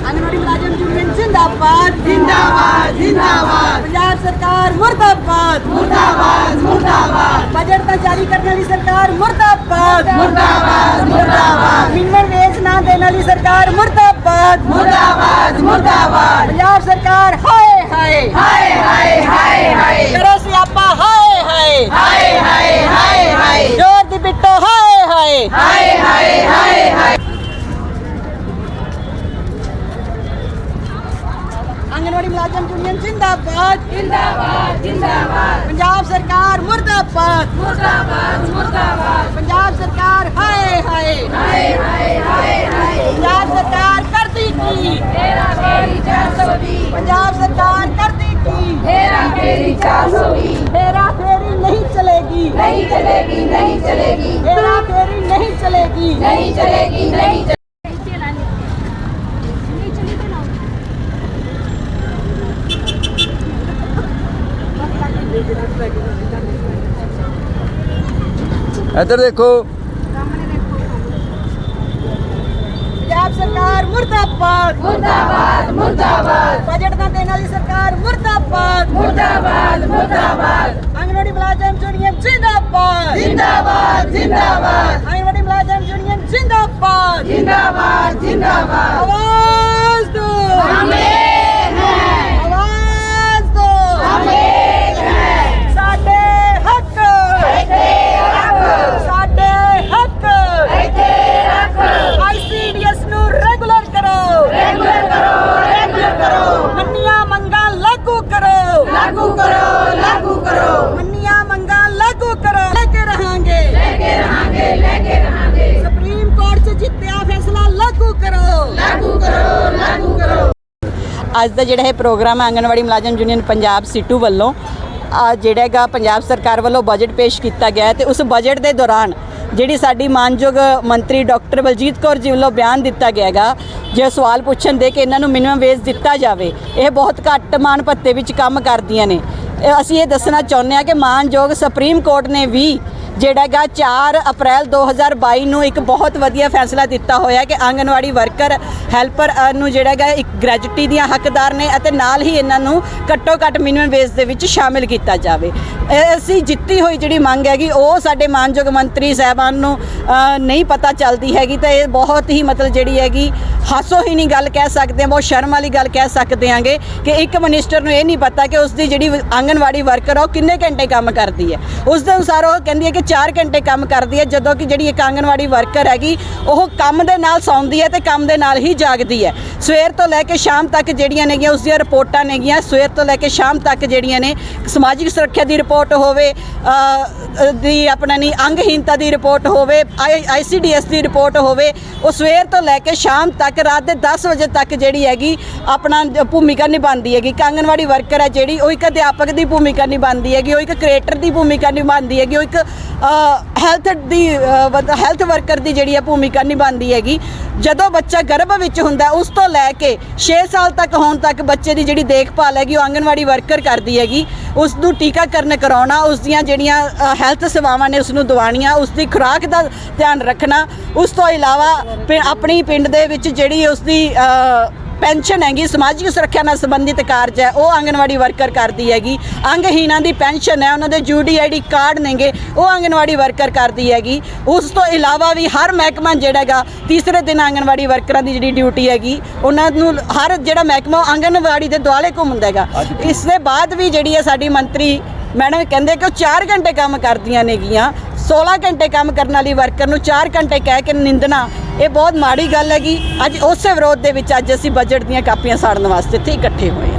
आंगनवाड़ी मुलाजिम यूनियन जिंदाबाद जिंदाबाद जिंदाबाद। पंजाब सरकार मुर्दाबाद मुर्दाबाद मुर्दाबाद। बजट का जारी करने वाली सरकार मुर्दाबाद मुर्दाबाद मुर्दाबाद। मिनिमम वेज ना देने वाली सरकार मुर्दाबाद मुर्दाबाद मुर्दाबाद। पंजाब सरकार हाय हाय हाय हाय हाय हाय। करो सियापा हाय हाय हाय हाय हाय हाय। जोर दी बिट्टो हाय हाय हाय हाय हाय हाय। आंगनवाड़ी मुलाजिम यूनियन जिंदाबाद जिंदाबाद जिंदाबाद। पंजाब सरकार मुर्दाबाद मुर्दाबाद मुर्दाबाद। पंजाब सरकार हाय हाय हाय हाय हाय हाय। पंजाब सरकार करती की हेरा फेरी 420। पंजाब सरकार करती की हेरा फेरी 420। हेरा फेरी नहीं चलेगी नहीं चलेगी नहीं चलेगी। हेरा फेरी नहीं चलेगी नहीं चलेगी नहीं चलेगी। इधर देखो। पंजाब सरकार मुर्दाबाद मुर्दाबाद मुर्दाबाद। बजट ना देने वाली सरकार मुर्दाबाद मुर्दाबाद मुर्दाबाद। आंगनवाड़ी मुलाजिम यूनियन जिंदाबाद जिंदाबाद जिंदाबाद। आंगनवाड़ी मुलाजिम यूनियन जिंदाबाद जिंदाबाद जिंदाबाद। आवाज दो हम एक हैं। आवाज दो हम एक हैं। साडे हक साडे हक ICDS ਨੂੰ ਰੈਗੂਲਰ ਕਰੋ ਰੈਗੂਲਰ ਕਰੋ ਰੈਗੂਲਰ ਕਰੋ। ਮੰਨੀਆਂ ਮੰਗਾਂ ਲਾਗੂ ਕਰੋ ਲਾਗੂ ਕਰੋ ਲਾਗੂ ਕਰੋ। ਮੰਨੀਆਂ ਮੰਗਾਂ ਲਾਗੂ ਕਰੋ। ਲੈ ਕੇ ਰਹਾਂਗੇ ਲੈ ਕੇ ਰਹਾਂਗੇ ਲੈ ਕੇ ਰਹਾਂਗੇ। ਸੁਪਰੀਮ ਕੋਰਟ 'ਚ ਜਿੱਤਿਆ ਫੈਸਲਾ ਲਾਗੂ ਕਰੋ ਲਾਗੂ ਕਰੋ ਲਾਗੂ ਕਰੋ। ਅੱਜ ਦਾ ਜਿਹੜਾ ਇਹ ਪ੍ਰੋਗਰਾਮ ਆਂਗਨਵਾੜੀ ਮੁਲਾਜ਼ਮ ਯੂਨੀਅਨ ਪੰਜਾਬ ਸੀਟੂ ਵੱਲੋਂ ਜਿਹੜਾ ਹੈਗਾ ਪੰਜਾਬ ਸਰਕਾਰ ਵੱਲੋਂ ਬਜਟ ਪੇਸ਼ ਕੀਤਾ ਗਿਆ ਤੇ ਉਸ ਬਜਟ ਦੇ ਦੌਰਾਨ ਜਿਹੜੀ ਸਾਡੀ ਮਾਨਯੋਗ ਮੰਤਰੀ ਡਾਕਟਰ ਬਲਜੀਤ ਕੌਰ ਜੀ ਵੱਲੋਂ ਬਿਆਨ ਦਿੱਤਾ ਗਿਆ ਹੈਗਾ ਜੇ ਸਵਾਲ ਪੁੱਛਣ ਦੇ ਕਿ ਇਹਨਾਂ ਨੂੰ ਮਿਨੀਮਮ ਵੇਜ ਦਿੱਤਾ ਜਾਵੇ, ਇਹ ਬਹੁਤ ਘੱਟ ਮਾਣ ਭੱਤੇ ਵਿੱਚ ਕੰਮ ਕਰਦੀਆਂ ਨੇ। ਅਸੀਂ ਇਹ ਦੱਸਣਾ ਚਾਹੁੰਦੇ ਹਾਂ ਕਿ ਮਾਨਯੋਗ ਸੁਪਰੀਮ ਕੋਰਟ ਨੇ ਵੀ ਜਿਹੜਾ ਹੈਗਾ 4 ਅਪ੍ਰੈਲ 2022 ਨੂੰ ਇੱਕ ਬਹੁਤ ਵਧੀਆ ਫੈਸਲਾ ਦਿੱਤਾ ਹੋਇਆ ਕਿ ਆਂਗਨਵਾੜੀ ਵਰਕਰ ਹੈਲਪਰ ਨੂੰ ਜਿਹੜਾ ਹੈਗਾ ਇੱਕ ਗ੍ਰੈਜੂਟੀ ਦੀਆਂ ਹੱਕਦਾਰ ਨੇ ਅਤੇ ਨਾਲ ਹੀ ਇਹਨਾਂ ਨੂੰ ਘੱਟੋ ਘੱਟ ਮਿਨੀਮਮ ਵੇਜ ਦੇ ਵਿੱਚ ਸ਼ਾਮਿਲ ਕੀਤਾ ਜਾਵੇ। ਅਸੀਂ ਜਿੱਤੀ ਹੋਈ ਜਿਹੜੀ ਮੰਗ ਹੈਗੀ ਉਹ ਸਾਡੇ ਮਾਨਯੋਗ ਮੰਤਰੀ ਸਾਹਿਬਾਨ ਨੂੰ ਨਹੀਂ ਪਤਾ ਚੱਲਦੀ ਹੈਗੀ ਤਾਂ ਇਹ ਬਹੁਤ ਹੀ ਮਤਲਬ ਜਿਹੜੀ ਹੈਗੀ ਹਾਸੋਹੀਣੀ ਗੱਲ ਕਹਿ ਸਕਦੇ ਹਾਂ, ਬਹੁਤ ਸ਼ਰਮ ਵਾਲੀ ਗੱਲ ਕਹਿ ਸਕਦੇ ਹਾਂਗੇ ਕਿ ਇੱਕ ਮਿਨਿਸਟਰ ਨੂੰ ਇਹ ਨਹੀਂ ਪਤਾ ਕਿ ਉਸ ਦੀ ਜਿਹੜੀ ਆਂਗਨਵਾੜੀ ਵਰਕਰ ਆ ਉਹ ਕਿੰਨੇ ਘੰਟੇ ਕੰਮ ਕਰਦੀ ਹੈ। ਉਸ ਦੇ ਅਨੁਸਾਰ ਉਹ ਕਹਿੰਦੀ ਹੈ ਕਿ 4 ਘੰਟੇ ਕੰਮ ਕਰਦੀ ਹੈ, ਜਦੋਂ ਕਿ ਜਿਹੜੀ ਇੱਕ ਆਂਗਨਵਾੜੀ ਵਰਕਰ ਹੈਗੀ ਉਹ ਕੰਮ ਦੇ ਨਾਲ ਸੌਂਦੀ ਹੈ ਤੇ ਕੰਮ ਦੇ ਨਾਲ ਹੀ ਜਾਗਦੀ ਹੈ। ਸਵੇਰ ਤੋਂ ਲੈ ਕੇ ਸ਼ਾਮ ਤੱਕ ਜਿਹੜੀਆਂ ਨੇਗੀਆਂ ਉਸ ਦੀਆਂ ਰਿਪੋਰਟਾਂ ਨੇਗੀਆਂ, ਸਵੇਰ ਤੋਂ ਲੈ ਕੇ ਸ਼ਾਮ ਤੱਕ ਜਿਹੜੀਆਂ ਨੇ ਸਮਾਜਿਕ ਸੁਰੱਖਿਆ ਦੀ ਰਿਪੋਰਟ ਹੋਵੇ ਦੀ ਆਪਣਾ ਨਹੀਂ ਅੰਗਹੀਨਤਾ ਦੀ ਰਿਪੋਰਟ ਹੋਵੇ, ICDS ਦੀ ਰਿਪੋਰਟ ਹੋਵੇ, ਉਹ ਸਵੇਰ ਤੋਂ ਲੈ ਕੇ ਸ਼ਾਮ ਤੱਕ ਰਾਤ ਦੇ 10 ਵਜੇ ਤੱਕ ਜਿਹੜੀ ਹੈਗੀ ਆਪਣਾ ਭੂਮਿਕਾ ਨਿਭਾਉਂਦੀ ਹੈਗੀ। ਆਂਗਨਵਾੜੀ ਵਰਕਰ ਹੈ ਜਿਹੜੀ ਉਹ ਇੱਕ ਅਧਿਆਪਕ ਦੀ ਭੂਮਿਕਾ ਨਿਭਾਉਂਦੀ ਹੈਗੀ, ਉਹ ਇੱਕ ਕ੍ਰੀਏਟਰ ਦੀ ਭੂਮਿਕਾ ਨਿਭਾਉਂਦੀ ਹੈਗੀ, ਉਹ ਇੱਕ ਹੈਲਥ ਵਰਕਰ ਦੀ ਜਿਹੜੀ ਹੈ ਭੂਮਿਕਾ ਨਿਭਾਉਂਦੀ ਹੈਗੀ। ਜਦੋਂ ਬੱਚਾ ਗਰਭ ਵਿੱਚ ਹੁੰਦਾ ਉਸ ਤੋਂ ਲੈ ਕੇ 6 ਸਾਲ ਤੱਕ ਹੋਣ ਤੱਕ ਬੱਚੇ ਦੀ ਜਿਹੜੀ ਦੇਖਭਾਲ ਹੈਗੀ ਉਹ ਆਂਗਨਵਾੜੀ ਵਰਕਰ ਕਰਦੀ ਹੈਗੀ। ਉਸ ਨੂੰ ਟੀਕਾਕਰਨ ਕਰਾਉਣਾ, ਉਸ ਦੀਆਂ ਜਿਹੜੀਆਂ ਹੈਲਥ ਸੇਵਾਵਾਂ ਨੇ ਉਸ ਨੂੰ ਦਿਵਾਉਣੀਆਂ, ਉਸ ਦੀ ਖੁਰਾਕ ਦਾ ਧਿਆਨ ਰੱਖਣਾ। ਉਸ ਤੋਂ ਇਲਾਵਾ ਆਪਣੀ ਪਿੰਡ ਦੇ ਵਿੱਚ ਜਿਹੜੀ ਉਸ ਦੀ ਪੈਨਸ਼ਨ ਹੈਗੀ ਸਮਾਜਿਕ ਸੁਰੱਖਿਆ ਨਾਲ ਸੰਬੰਧਿਤ ਕਾਰਜ ਹੈ ਉਹ ਆਂਗਨਵਾੜੀ ਵਰਕਰ ਕਰਦੀ ਹੈਗੀ। ਅੰਗਹੀਣਾਂ ਦੀ ਪੈਨਸ਼ਨ ਹੈ, ਉਹਨਾਂ ਦੇ UDID ਕਾਰਡ ਨੇਗੇ ਉਹ ਆਂਗਨਵਾੜੀ ਵਰਕਰ ਕਰਦੀ ਹੈਗੀ। ਉਸ ਤੋਂ ਇਲਾਵਾ ਵੀ ਹਰ ਮਹਿਕਮਾ ਜਿਹੜਾ ਹੈਗਾ ਤੀਸਰੇ ਦਿਨ ਆਂਗਨਵਾੜੀ ਵਰਕਰਾਂ ਦੀ ਜਿਹੜੀ ਡਿਊਟੀ ਹੈਗੀ ਉਹਨਾਂ ਨੂੰ ਹਰ ਜਿਹੜਾ ਮਹਿਕਮਾ ਆਂਗਨਵਾੜੀ ਦੇ ਦੁਆਲੇ ਘੁੰਮਦਾ ਹੈਗਾ। ਇਸ ਦੇ ਬਾਅਦ ਵੀ ਜਿਹੜੀ ਹੈ ਸਾਡੀ ਮੰਤਰੀ ਮੈਡਮ ਕਹਿੰਦੇ ਕਿ ਉਹ 4 ਘੰਟੇ ਕੰਮ ਕਰਦੀਆਂ ਨੇਗੀਆਂ। 16 ਘੰਟੇ ਕੰਮ ਕਰਨ ਵਾਲੀ ਵਰਕਰ ਨੂੰ 4 ਘੰਟੇ ਕਹਿ ਕੇ ਨਿੰਦਣਾ ਇਹ ਬਹੁਤ ਮਾੜੀ ਗੱਲ ਹੈਗੀ। ਅੱਜ ਉਸੇ ਵਿਰੋਧ ਦੇ ਵਿੱਚ ਅੱਜ ਅਸੀਂ ਬਜਟ ਦੀਆਂ ਕਾਪੀਆਂ ਸਾੜਨ ਵਾਸਤੇ ਇੱਥੇ ਇਕੱਠੇ ਹੋਏ।